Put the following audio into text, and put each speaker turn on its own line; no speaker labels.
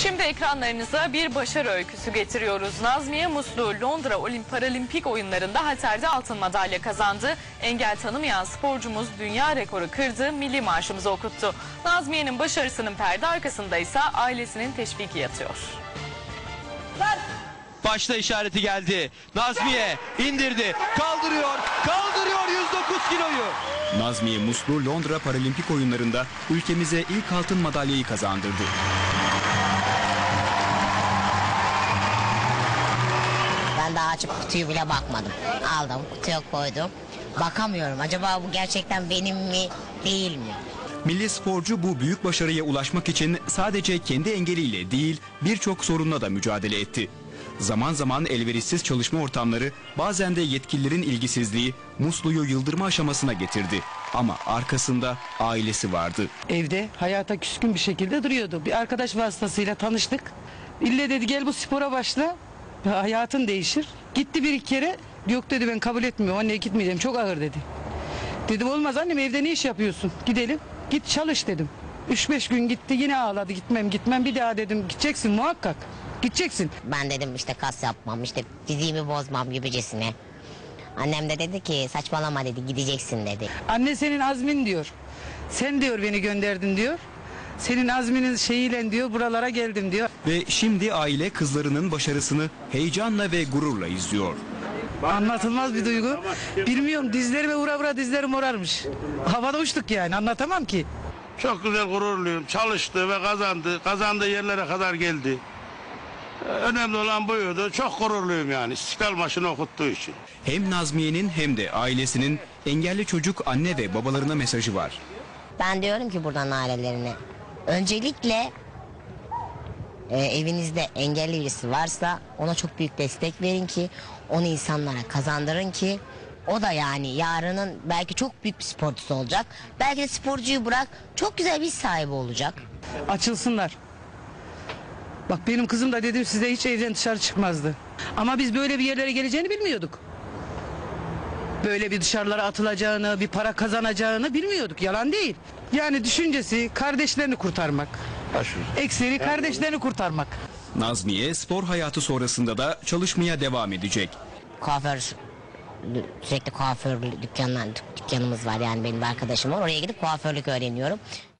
Şimdi ekranlarınıza bir başarı öyküsü getiriyoruz. Nazmiye Muslu Londra Paralimpik oyunlarında halterde altın madalya kazandı. Engel tanımayan sporcumuz dünya rekoru kırdı, milli marşımızı okuttu. Nazmiye'nin başarısının perde arkasında ise ailesinin teşviki yatıyor.
Başta işareti geldi. Nazmiye indirdi. Kaldırıyor 109 kiloyu.
Nazmiye Muslu Londra Paralimpik oyunlarında ülkemize ilk altın madalyayı kazandırdı.
Ben daha açıp kutuyu bile bakmadım. Aldım, kutuya koydum. Bakamıyorum. Acaba bu gerçekten benim mi, değil mi?
Milli sporcu bu büyük başarıya ulaşmak için sadece kendi engeliyle değil birçok sorunla da mücadele etti. Zaman zaman elverişsiz çalışma ortamları, bazen de yetkililerin ilgisizliği Muslu'yu yıldırma aşamasına getirdi. Ama arkasında ailesi vardı.
Evde hayata küskün bir şekilde duruyordu. Bir arkadaş vasıtasıyla tanıştık. İlle dedi gel bu spora başla, hayatın değişir. Gitti bir iki kere, yok dedi ben kabul etmiyorum, anneye gitmeyeceğim, çok ağır dedi. Dedim olmaz annem, evde ne iş yapıyorsun, gidelim, git çalış dedim. 3-5 gün gitti, yine ağladı, gitmem, bir daha dedim gideceksin muhakkak. Gideceksin.
Ben dedim işte kas yapmam, işte fiziğimi bozmam gibicesine. Annem de dedi ki saçmalama dedi, gideceksin dedi.
Anne senin azmin diyor. Sen diyor beni gönderdin diyor. Senin azminin şeyiyle diyor buralara geldim diyor.
Ve şimdi aile kızlarının başarısını heyecanla ve gururla izliyor.
Anlatılmaz bir duygu. Bilmiyorum, dizlerime vura dizlerim morarmış. Havada uçtuk yani, anlatamam ki.
Çok güzel, gururluyum. Çalıştı ve kazandı. Kazandığı yerlere kadar geldi. Önemli olan buydu. Çok gururluyum yani İstiklal Marşı'nı okuttuğu için.
Hem Nazmiye'nin hem de ailesinin engelli çocuk anne ve babalarına mesajı var.
Ben diyorum ki buradan ailelerine, öncelikle evinizde engelli birisi varsa ona çok büyük destek verin ki onu insanlara kazandırın ki o da yani yarının belki çok büyük bir sporcusu olacak. Belki de sporcuyu bırak, çok güzel bir iş sahibi olacak.
Açılsınlar. Bak benim kızım da dedim size hiç evden dışarı çıkmazdı. Ama biz böyle bir yerlere geleceğini bilmiyorduk. Böyle bir dışarılara atılacağını, bir para kazanacağını bilmiyorduk. Yalan değil. Yani düşüncesi kardeşlerini kurtarmak. Ekseri kardeşlerini kurtarmak.
Nazmiye spor hayatı sonrasında da çalışmaya devam edecek.
Sürekli kuaför dükkanımız var, yani benim bir arkadaşım var. Oraya gidip kuaförlük öğreniyorum.